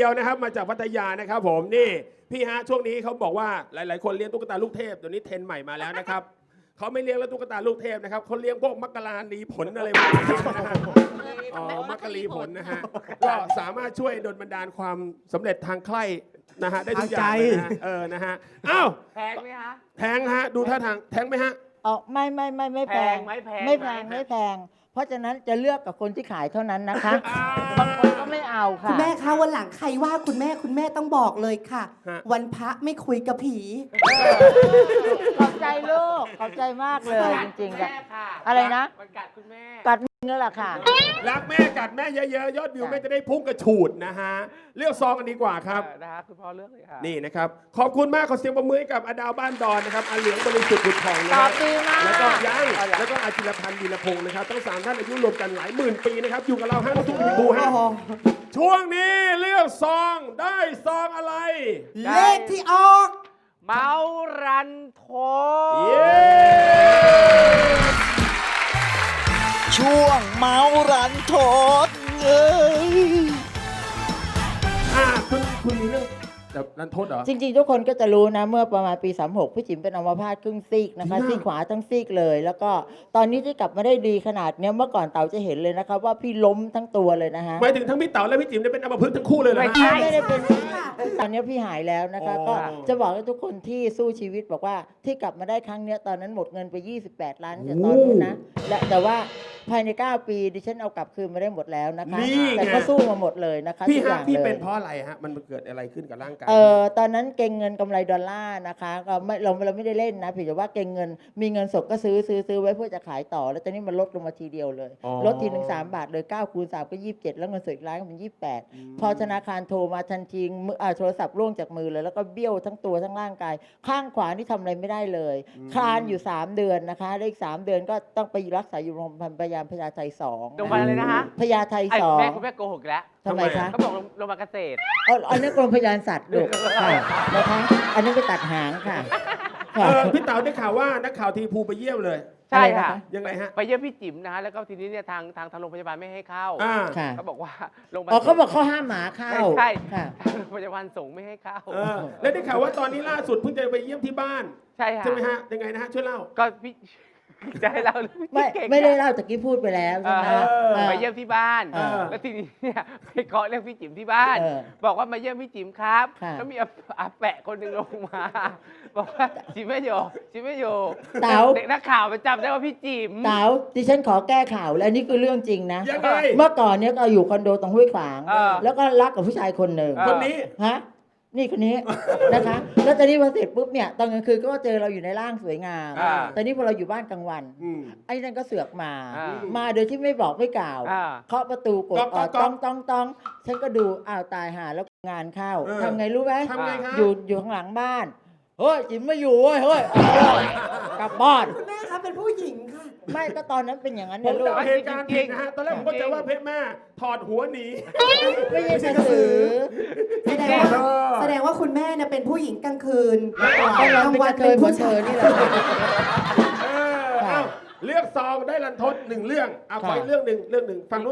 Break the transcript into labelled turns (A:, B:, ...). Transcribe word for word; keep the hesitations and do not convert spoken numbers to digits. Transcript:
A: ยวนะครับมาจากพัทยานะครับผมนี่พี่ฮะช่วงนี้เขาบอกว่าหลายๆคนเลี้ยงตุ๊กตาลูกเทพเดี๋ยวนี้เทรนด์ใหม่มาแล้วนะครับเขาไม่เลี้ยงแล้วตุ๊กตาลูกเทพนะครับเขาเลี้ยงพวกมักกะลานีผลอะไรแบบนี้อ๋อมักกะลีผลนะฮะก็สามารถช่วยดลบันดาลความสำเร็จทางใคร่นะฮะได้ทุกอย่างเลยนะเออนะฮะอ้าว
B: แพงไหมฮะ
A: แพงฮะดูท่าทางแพงไหมฮะ
C: อ๋อไม่ไม่ไม่ไม่แพง
B: แพงไหมแพง
C: ไม่แพง
B: ไหม
C: ไม่แพง เพราะฉะนั้นจะเลือกกับคนที่ขายเท่านั้นนะคะบางคนก็ไม่เอาค่ะ
D: คุณแม่คะวันหลังใครว่าคุณแม่คุณแม่ต้องบอกเลยค่ะ วันพระไม่คุยกับผี
C: ขอบใจลูกขอบใจมากเลยจริงๆ
B: แม่ค่ะ
C: อะไรนะ
B: มันกัดคุณแม่
C: กัดมึงแล้วล่ะค่ะ
A: รักแม่กัดแม่เยอะๆยอดวิวแม่จะได้พุ่งกระฉูดนะฮะเลือกซองกันดีกว่าครับ
B: นะฮะคุณพ่อเลือกเลยค่ะ
A: นี่นะครับขอบคุณมากขอเสียงปรบมือให้กับอดาวบ้านดอนนะครับอาเหลืองบริสุทธิ์บุตรทองนะ
C: ต
A: ค
C: อ
A: รั
C: บบ ดีมาก
A: แล้วก็ยังแล้วก็อาชิรพันธ์วีรพงศ์นะครับทั้งสามท่านอายุรวมกันหลายหมื่นปีนะครับอยู่กับเราห้าทุ่มบูฮะช่วงนี้เลือกซองได้ซองอะไร
D: เลขที่ออก
B: เมารันโท
A: เย้
E: ช่วงเมารันโทษเอ้ย
A: อ่าคุณคุณมีเรื่องแบบรันทดเหรอ
C: จริงๆทุกคนก็จะรู้นะเมื่อประมาณปีสามหกพี่จิ๋มเป็นอัมพาตครึ่งซีกนะคะซีกขวาทั้งซีกเลย แล้วก็ตอนนี้ที่กลับมาได้ดีขนาดเนี้ยเมื่อก่อนเต๋าจะเห็นเลยนะคะว่าพี่ล้มทั้งตัวเลยนะฮะ
A: หมายถึงทั้งพี่เต๋าและพี่จิ๋มเนี่ยเป็นอัมพฤกษ์ทั้งคู่เลยเหรอ
B: ไม่
A: ฮะ
B: ใช่
C: ไม่ได้เป็นตอนนี้พี่หายแล้วนะคะ
A: อ๋อ
C: ก็จะบอกให้ทุกคนที่สู้ชีวิตบอกว่าที่กลับมาได้ครั้งเนี้ยตอนนั้นหมดเงินไปยี่สิบแปดล้านจากตอนนู้นนะและแต่ว่าภายในเก้าปีดิฉันเอากลับคืนมาได้หมดแล้วนะคะแต่ก็สู้มาหมดเลยนะคะ
A: พี่
C: ทุกอ
A: ฮะ
C: ย่าง
A: พี่
C: เล
A: เป็
C: ย
A: นเพราะอะไรฮะมันเกิดอะไรขึ้นกับร่างกาย
C: เออตอนนั้นเก็งเงินกำไรดอลลาร์นะคะก็ไม่เราเราไม่ได้เล่นนะเพียงแต่ว่าเก็งเงินมีเงินสดก็ซื้อซื้อซื้อไว้เพื่อจะขายต่อแล้วตอนนี้มันลดลงมาทีเดียวเลย
A: อ๋อ
C: ลดทีหนึ่งสามบาทเลยเก้าคูณสามก็ยี่สิบเจ็ดแล้วเงินสดอีกล้านก็เป็นยี่สิบแปดพอธนาคารโทรมาทันทีมืออ่าโทรศัพท์ร่วงจากมือเลยแล้วก็เบี้ยวทั้งตัวทั้งร่างกายข้างขวานี่ทำอะไรไม่ได้เลยคลานอยู่สามเดือนนะคะแล้วอีกสามเดือนก็ต้องไปรักษาอยู่โรงพยาบาลพยาพญาไทสอง
B: โรงพยาบาลอะไรนะคะ
C: พญาไท
B: ไอ้
C: สอง
B: แม่คุณแม่โกหกอีกแล้ว
C: ทำไมคะ
B: เขาบอกโรงพยาบาลเกษตร
C: เอาอันนี้กรมพยานสัตว์ลูกค่ะนะคะอันนี้ไปตัดหางค่ะ
A: เออพี่เต๋าได้ข่าวว่านักข่าวทีพูไปเยี่ยมเลย
B: ใช่ค่ะ
A: ยังไงฮะ
B: ไปเยี่ยมพี่จิ๋มนะฮะแล้วก็ทีนี้เนี่ยทางทางทางโรงพยาบาลไม่ให้เข้า
A: อ่า
C: ค่ะ
B: เขาบอกว่าโรงพยาบาล
C: อ๋อเขาบอกเขาห้ามหมาเข้า
B: ไม่ใช่
C: ค่ะ
B: ทางโรงพยาบาลสงฆ์ไม่ให้เข้า
A: เออแล้วได้ข่าวว่าตอนนี้ล่าสุดเพิ่งจะไปเยี่ยมที่บ้าน
B: ใช่ค่ะ
A: ใช่ไหมฮะยังไงนะฮะช่วยเล่า
B: ก็พี่จะให้เรา
C: ไม่
B: เก่ง
C: ไม่ได้เล่าตะกี้พูดไปแล้วใช่ไหม
A: เออ
C: เออ
B: ไปเยี่ยมที่บ้าน
C: เออ
B: แล้วทีนี้เนี่ยไปเคาะเรียกพี่จิ๋มที่บ้าน
C: เออ
B: บอกว่ามาเยี่ยมพี่จิ๋มครับ
C: ค่ะ
B: แล้วมีอาอาแปะคนหนึ่งลงมา บอกว่าจิ๋มไม่อยู่จิ๋มไม่อยู่
C: เต๋า
B: เด็กนักข่าวไปจำได้ว่าพี่จิ๋ม
C: เต๋าดิฉันขอแก้ข่าวแล้วอันนี่คือเรื่องจริงนะ
A: ยังไง
C: เมื่อก่อนเนี่ยก็อยู่คอนโดตรงห้วยขวาง
B: เออ
C: แล้วก็รักกับผู้ชายคนหนึ่ง
B: เออ
A: คนนี้
C: ฮะนี่คนนี้ นะคะ แล้วตอนนี้พอเสร็จปุ๊บเนี่ยตอนกลางคืนก็เจอเราอยู่ในร่างสวยงาม
B: อ่า
C: ตอนนี้พอเราอยู่บ้านกลางวัน
A: อืม
C: ไอ้นั่นก็เสือกมา
B: อ่า
C: มาโดยที่ไม่บอกไม่กล่าว
B: อ่า
C: เคาะประตูกด
A: ก๊อก
C: ออด
A: ก๊
C: ต้
A: อ
C: อก งต้องต้องฉันก็ดูอ้าวตายหาแล้วงานเข้า
A: เออ
C: ทำไงรู้ไหม
A: ทำไงครับ
C: อยู่อยู่ข้างหลังบ้านเฮ้ยจิ๋มไม่อยู่เว้ยเฮ้ยเอาเลยกลับบ้าน
D: คุณแม่คะเป็นผู้หญิงค่ะ
C: ไม่ก็ตอนนั้นเป็นอย่างนั้น
A: ผ
C: นะ
A: ม
C: ลูก
A: จำเหตุการณ์ผิดนะฮะตอนแรกผมก็จะว่าเพชรแม่ถอดหัวหนี
C: ไม่ใช่กระสือ
D: แสดงว่าแสดงว่าคุณแม่เนี่ยเป็นผู้หญิงกลางคืน
C: ก็เราเป็นกระเทยเหมือนเธอนี่แหละ
A: เออเอ้าเลือกซองได้รันทดหนึ่งเรื่องเอาไป
C: ค่ะ
A: เรื่องหนึ่งเรื่องหนึ่งฟัง